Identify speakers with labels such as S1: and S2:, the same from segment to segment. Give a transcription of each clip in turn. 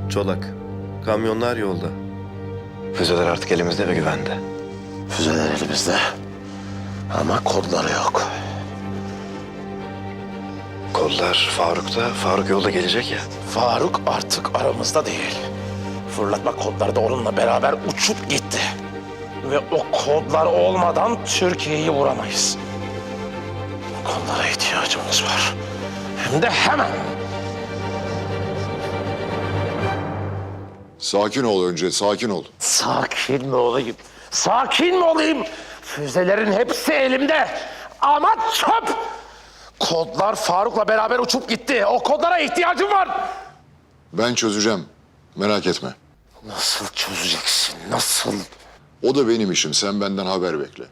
S1: Çolak, kamyonlar yolda.
S2: Füzeler artık elimizde ve güvende.
S3: Füzeler elimizde. Ama kodları yok.
S2: Kodlar Faruk'ta. Faruk yolda gelecek ya.
S3: Faruk artık aramızda değil. Fırlatma kodları da onunla beraber uçup gitti. Ve o kodlar olmadan Türkiye'yi vuramayız. O kodlara ihtiyacımız var. Hem de hemen.
S4: Sakin ol önce, sakin ol.
S3: Sakin mi olayım? Sakin mi olayım? Füzelerin hepsi elimde. Ama çöp! Kodlar Faruk'la beraber uçup gitti. O kodlara ihtiyacım var.
S4: Ben çözeceğim, merak etme.
S3: Nasıl çözeceksin? Nasıl?
S4: O da benim işim, sen benden haber bekle.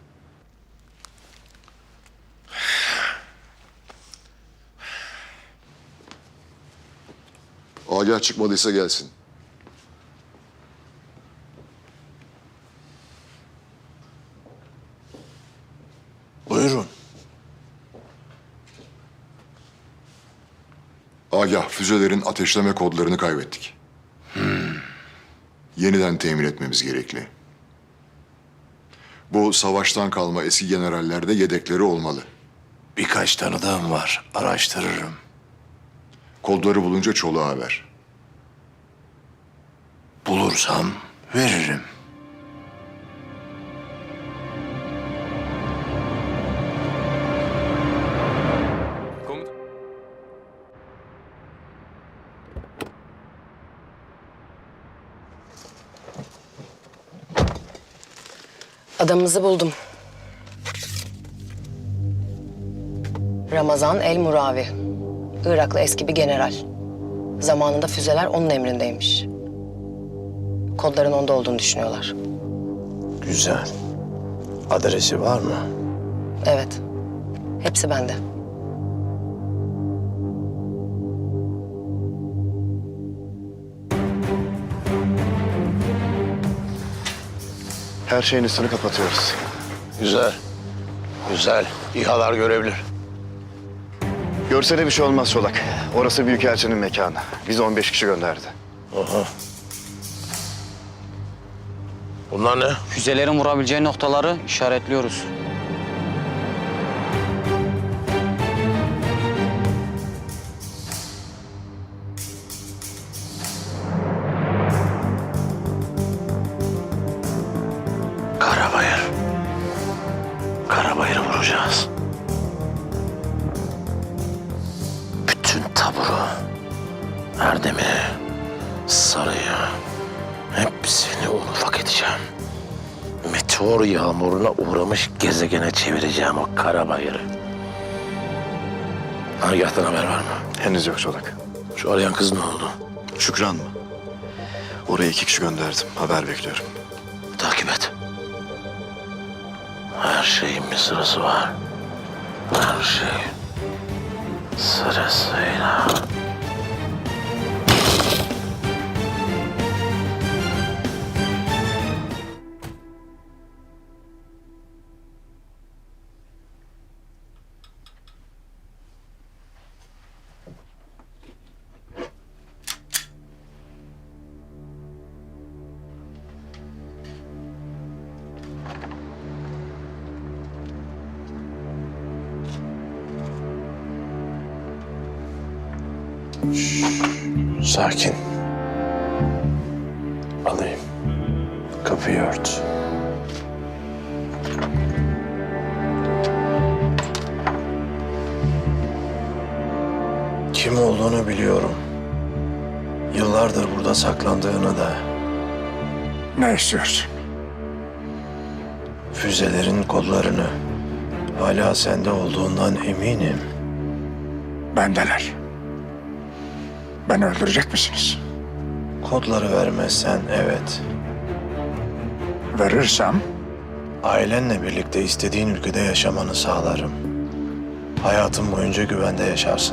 S4: Agah çıkmadıysa gelsin.
S3: Buyurun.
S4: Agah, füzelerin ateşleme kodlarını kaybettik. Yeniden temin etmemiz gerekli. Bu savaştan kalma eski generallerde yedekleri olmalı.
S3: Birkaç tanıdığım var. Araştırırım.
S4: Kodları bulunca Çolak'a ver.
S3: Bulursam veririm.
S5: Adamımızı buldum. Ramazan El Muravi. Iraklı eski bir general. Zamanında füzeler onun emrindeymiş. Kodların onda olduğunu düşünüyorlar.
S3: Güzel. Adresi var mı?
S5: Evet. Hepsi bende.
S2: Her şeyin üstünü kapatıyoruz.
S3: Güzel. Güzel. İHA'lar görebilir.
S2: Görse de bir şey olmaz Çolak. Orası Büyükelçinin mekanı. Bizi 15 kişi gönderdi.
S3: Aha. Bunlar ne?
S6: Füzelerin vurabileceği noktaları işaretliyoruz.
S3: Karabayır. Karabayır'ı vuracağız. Bütün taburu, Erdem'i, Sarı'yı, hepsini un ufak edeceğim. Meteor yağmuruna uğramış gezegene çevireceğim o Karabayır'ı. Agah'tan haber var mı?
S2: Henüz yok Çolak.
S3: Şu arayan kız ne oldu?
S2: Şükran mı? Oraya 2 kişi gönderdim. Haber bekliyorum.
S3: Takip et. Her şeyin bir sırası var. Her şey sırasıyla. Sakin. Alayım. Kapıyı ört. Kim olduğunu biliyorum. Yıllardır burada saklandığını da.
S7: Ne istiyorsun?
S3: Füzelerin kodlarını hala sende olduğundan eminim.
S7: Bendeler. Beni öldürecek misiniz?
S3: Kodları vermezsen evet.
S7: Verirsem
S3: Ailenle birlikte istediğin ülkede yaşamanı sağlarım. Hayatın boyunca güvende yaşarsın.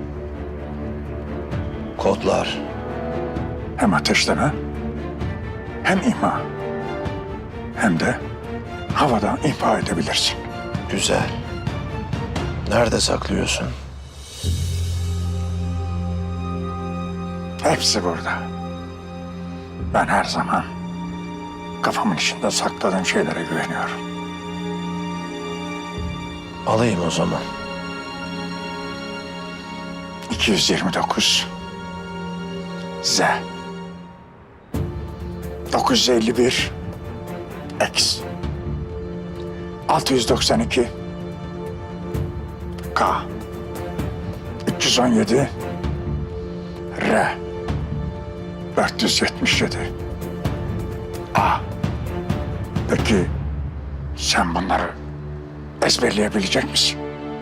S3: Kodlar.
S7: hem ateşleme, hem imha, hem de havada imha edebilirsin.
S3: Güzel. Nerede saklıyorsun?
S7: Hepsi burada. Ben her zaman kafamın içinde sakladığım şeylere güveniyorum.
S3: Alayım o zaman.
S7: 229 Z 951 X 692 K 317 R 477 A. Peki sen bunları ezberleyebilecek misin?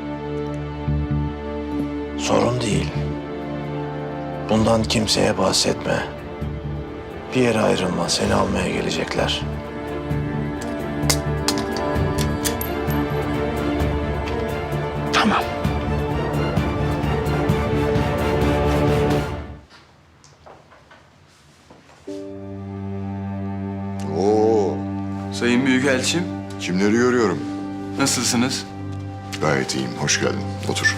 S3: Sorun değil. Bundan kimseye bahsetme. Bir yere ayrılma, seni almaya gelecekler.
S7: Tamam.
S4: Oo,
S8: Sayın Büyükelçim,
S4: kimleri görüyorum?
S8: nasılsınız?
S4: Gayet iyiyim, hoş geldin. Otur.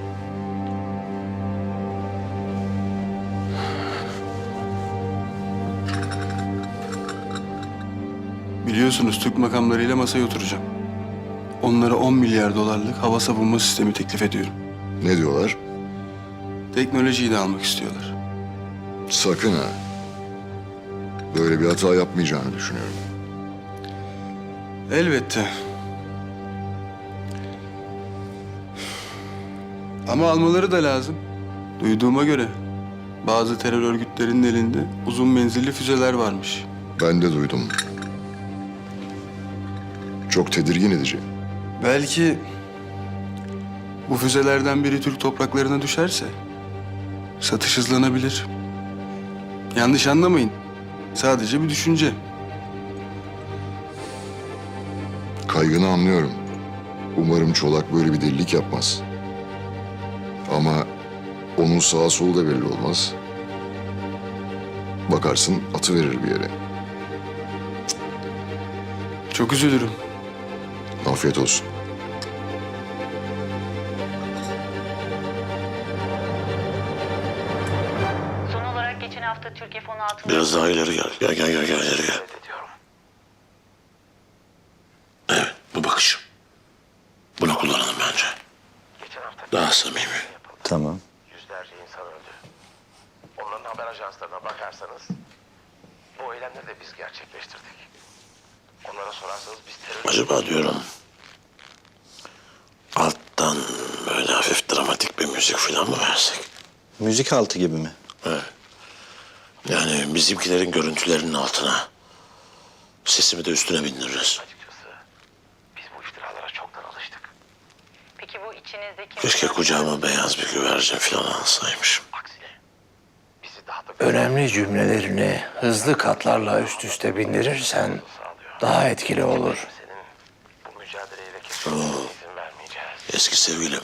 S8: Biliyorsunuz Türk makamlarıyla masaya oturacağım. Onlara 10 milyar dolarlık hava savunma sistemi teklif ediyorum.
S4: Ne diyorlar?
S8: Teknolojiyi de almak istiyorlar.
S4: Sakın ha. Böyle bir hata yapmayacağını düşünüyorum.
S8: Elbette. Ama almaları da lazım. Duyduğuma göre bazı terör örgütlerinin elinde uzun menzilli füzeler varmış.
S4: Ben de duydum. Çok tedirgin edici.
S8: Belki bu füzelerden biri Türk topraklarına düşerse satış hızlanabilir. Yanlış anlamayın. Sadece bir düşünce.
S4: Kaygını anlıyorum. Umarım Çolak böyle bir delilik yapmaz. Ama onun sağa solu da belli olmaz. Bakarsın atıverir bir yere.
S8: Çok üzülürüm.
S4: Afiyet olsun.
S9: Son olarak geçen hafta Türkiye fonu altında...
S2: Biraz daha ileri gel. Gel ileri gel. Evet, bu bakış. Bunu kullanalım bence. Daha samimi.
S3: Tamam.
S10: Yüzlerce insan öldü. Onların haber ajanslarına bakarsanız bu eylemleri de biz gerçekleştirdik. Onlara sorarsanız biz terör...
S2: Acaba diyorum alttan böyle hafif dramatik bir müzik falan mı versek?
S11: Müzik altı gibi mi?
S2: Evet. Yani bizimkilerin görüntülerinin altına. Sesimi de üstüne bindiririz.
S10: Açıkçası biz bu iftiralara çoktan alıştık.
S9: Peki bu içinizdeki...
S2: Keşke kucağıma beyaz bir güvercin falan alsaymışım.
S10: Aksine bizi daha da
S3: Önemli cümlelerini hızlı katlarla üst üste bindirirsen
S10: sağlıyor.
S3: daha etkili olur.
S10: Senin bu mücadeleyle kesinlikle izin vermeyeceğiz.
S2: Eski sevgilim.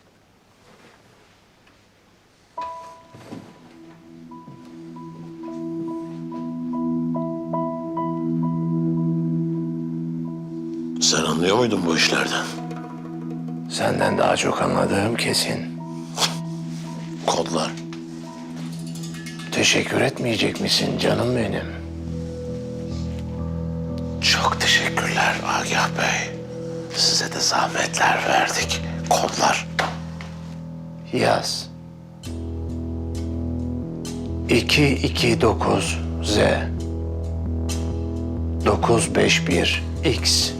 S2: Sen anlıyor muydun bu işlerden?
S3: Senden daha çok anladığım kesin.
S2: Kodlar.
S3: Teşekkür etmeyecek misin canım benim?
S2: Çok teşekkürler Agah Bey. Size de zahmetler verdik. Kodlar.
S3: Yaz. 229 Z 951 X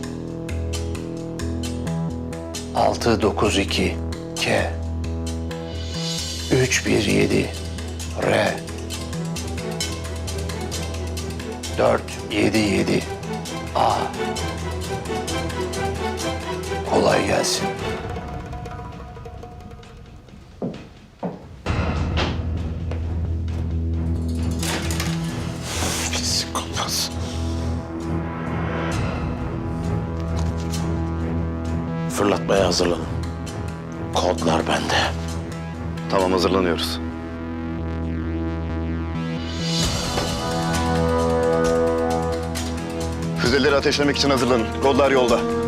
S3: 692 K 317 R 477 A. Kolay gelsin.
S2: Pislik olmaz. Fırlatmaya hazırlanın. Kodlar bende.
S1: Tamam, hazırlanıyoruz.
S11: Füzeleri ateşlemek için hazırlanın. Kodlar yolda.